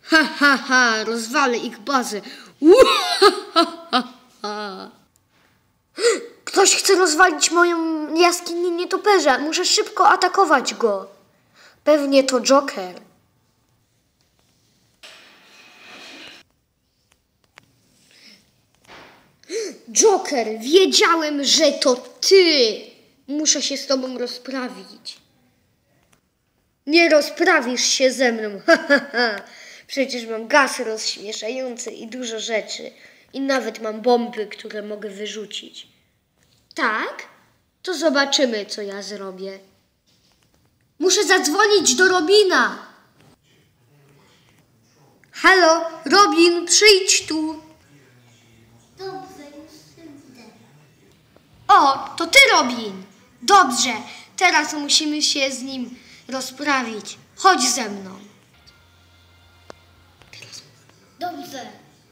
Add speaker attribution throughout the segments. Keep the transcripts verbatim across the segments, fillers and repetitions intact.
Speaker 1: Ha, ha, ha, rozwalę ich bazę. Ktoś chce rozwalić moją jaskinię nietoperza. Muszę szybko atakować go. Pewnie to Joker. Joker, wiedziałem, że to ty. Muszę się z tobą rozprawić. Nie rozprawisz się ze mną. Przecież mam gaz rozśmieszający i dużo rzeczy. I nawet mam bomby, które mogę wyrzucić. Tak? To zobaczymy, co ja zrobię. Muszę zadzwonić do Robina. Halo, Robin, przyjdź tu.
Speaker 2: Dobrze, już idę.
Speaker 1: O, to ty, Robin. Dobrze, teraz musimy się z nim rozprawić. Chodź ze mną.
Speaker 2: Dobrze.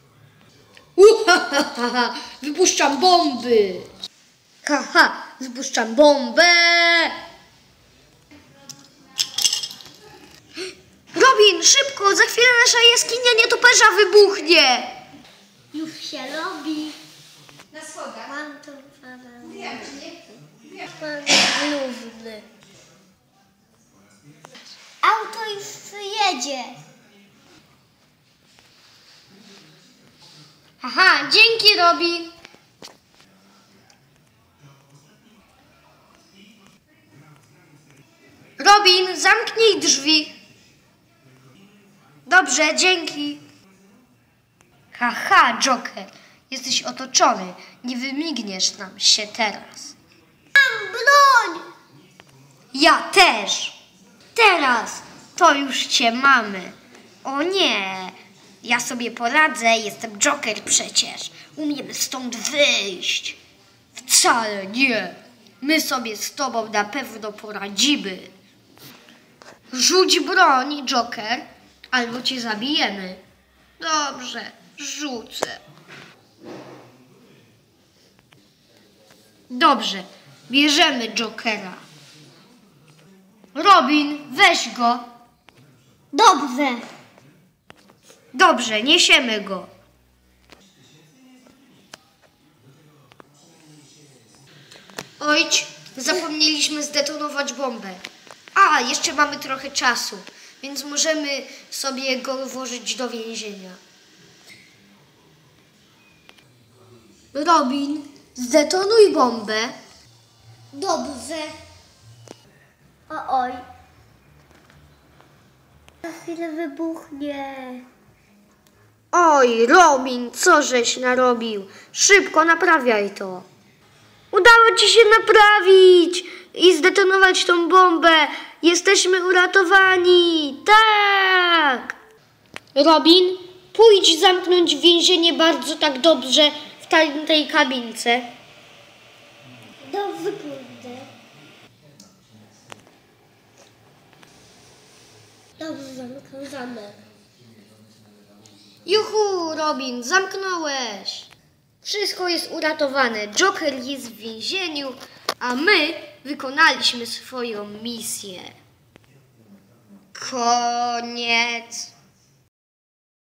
Speaker 1: Uhahaha, wypuszczam bomby. Haha, wypuszczam bombę. Robin, szybko, za chwilę nasza jaskinia nietoperza wybuchnie.
Speaker 2: Już się robi.
Speaker 3: Na schodach.
Speaker 2: Mam to parę.
Speaker 3: Wiem, czy nie chcę. Wiem.
Speaker 2: Pan główny. Auto już jedzie.
Speaker 1: Aha, dzięki, Robin. Robin, zamknij drzwi. Dobrze, dzięki. Haha, Joker, jesteś otoczony. Nie wymigniesz nam się teraz.
Speaker 2: Mam broń.
Speaker 1: Ja też. Teraz to już cię mamy. O nie, ja sobie poradzę, jestem Joker przecież. Umiemy stąd wyjść. Wcale nie. My sobie z tobą na pewno poradzimy. Rzuć broń, Joker, albo cię zabijemy. Dobrze, rzucę. Dobrze, bierzemy Jokera. Robin, weź go.
Speaker 2: Dobrze.
Speaker 1: Dobrze, niesiemy go. Ojcz, zapomnieliśmy zdetonować bombę. A, jeszcze mamy trochę czasu, więc możemy sobie go włożyć do więzienia. Robin, zdetonuj bombę.
Speaker 2: Dobrze. O oj. Za chwilę wybuchnie.
Speaker 1: Oj, Robin, co żeś narobił? Szybko naprawiaj to. Udało ci się naprawić i zdetonować tą bombę. Jesteśmy uratowani. Tak. Robin, pójdź zamknąć więzienie bardzo tak dobrze w tej, tej kabince.
Speaker 2: Dobrze, pójdę. Dobrze, zamykam zamek.
Speaker 1: Juhu, Robin, zamknąłeś. Wszystko jest uratowane. Joker jest w więzieniu, a my wykonaliśmy swoją misję. Koniec.